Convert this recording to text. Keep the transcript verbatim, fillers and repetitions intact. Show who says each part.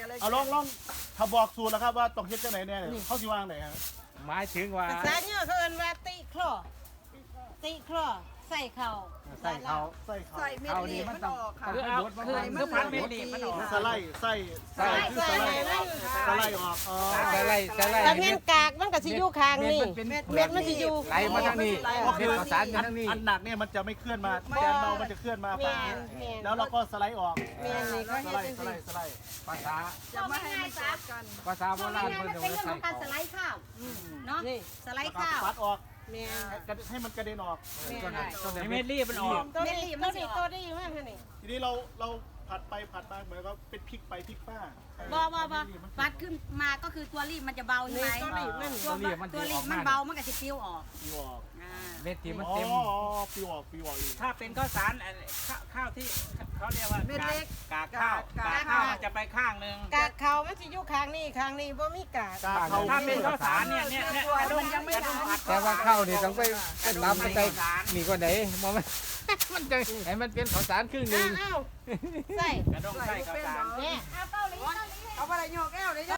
Speaker 1: อะไร
Speaker 2: เอาลองลองถ้าบอกสูตรแล้วครับว่าต้องเฮ็ดจังไหนแน่เขาสิวางไหนครับ
Speaker 3: หมายถึงว่า
Speaker 4: ภาษาเนี่ยเขาเอิ้นว่าติคลอติคลอใส่เข่า
Speaker 3: ใส่เขา
Speaker 2: ใส่เขา
Speaker 1: ใส่เม็ด
Speaker 3: เอา
Speaker 1: ลี
Speaker 3: นี่
Speaker 1: บ
Speaker 3: มั
Speaker 1: มัน น
Speaker 3: ต้
Speaker 1: อ
Speaker 3: อง
Speaker 1: อกค่ะ
Speaker 3: คือเอาคือคือพันเม็ดลีบมันออก
Speaker 2: สไลด์ใส่ใส่คือสไลด์สไลด์ออกอ๋อ
Speaker 3: ใส่ไล่ใส่ไล่
Speaker 4: แล้วเม็ดกากมันก็สิอยู่ข้างนี่
Speaker 3: เม็ด
Speaker 4: เม็ดมันสิอยู่
Speaker 3: ไหลมาทางนี้
Speaker 2: ก็
Speaker 3: เม็
Speaker 2: คื
Speaker 3: ด
Speaker 2: อ
Speaker 3: ข้าวสารอยู่ทางนี้
Speaker 2: อันหนักเนี่ยมันจะไม่เคลื่อนมาแกนเบามันจะเคลื่อนมา
Speaker 4: แม่
Speaker 2: ฝั่ง
Speaker 4: นแม่น
Speaker 2: แล้วเราก็สไลด์ออก
Speaker 4: แม่นนี่เขา
Speaker 2: ส
Speaker 4: เฮ็
Speaker 2: ไล
Speaker 4: ด
Speaker 2: ด์
Speaker 4: จัง
Speaker 2: สไล
Speaker 4: ซี่
Speaker 2: ด์สไลด์
Speaker 3: ภาษา
Speaker 1: จะไม่ให้มันจับกัน
Speaker 3: ภาษาโบราณเพิ่น
Speaker 5: มัน
Speaker 3: เอา
Speaker 5: เป็น
Speaker 3: ไว้
Speaker 5: เรื่องข
Speaker 3: ใส่
Speaker 5: องการส
Speaker 3: เขา
Speaker 5: ไลด์ข้าวเนาะ
Speaker 4: นี่
Speaker 5: สไลด์
Speaker 2: แล้วก็
Speaker 5: ข้าว
Speaker 2: ปัดออก
Speaker 4: แม่น
Speaker 2: ให้มันกระเด็นออก
Speaker 3: ก็ได้ก็ได้
Speaker 6: ให้
Speaker 3: เม็
Speaker 6: เม็
Speaker 3: ด
Speaker 6: ดรีบมันออก
Speaker 4: ตัวนี้ตัวนี้ตัวนี้มากค่ะนี่
Speaker 2: ทีนี้เราเราผัดไปผัดมาเหมือนกับเป็นพริกไปพริกมา
Speaker 5: บอบอบอวัดขึ้นมาก็คือตัวรีบมันจะเบาใช่ไหม
Speaker 4: ตัวนี้มัน
Speaker 5: ตัวตัวรีบมันเบามันก็จะปิ้วออก
Speaker 2: ปิวออก
Speaker 5: อ่า
Speaker 3: เม็ดที่มัน
Speaker 2: อ๋อ
Speaker 3: เต็ม
Speaker 2: ปิวออกปิวออกอีก
Speaker 6: ถ้าเป็นข้าวสารอันข้าวข้าวที่เขาเรียกว่า
Speaker 1: เม็ดเล็ก
Speaker 6: กากข้าวกากข้าวมันจะไปข้างหนึ่ง
Speaker 4: กากเข่ามันสิอยู่ข้างนี้ข้างนี้บ่มีกาก
Speaker 2: กาเขา
Speaker 6: ถ้าเป็นข้าวสารเนี่ยเนี่ยเนี่ยกระดงยังไม่ต้องผัด
Speaker 3: แต่ว่าข้าวนี่ต้องไปไปตำไปใส่นี่ก็ไหนมองมันมันจะให้มันเป็นข้าวสารครึ่งหนึ
Speaker 4: อ้าง วอ้าวใส่
Speaker 6: กระดงใส่ข้าวสาร
Speaker 4: เนี่ย
Speaker 5: เอาเกาหลีเกาหลี
Speaker 1: เอาไปเลยโยกแก้วเลย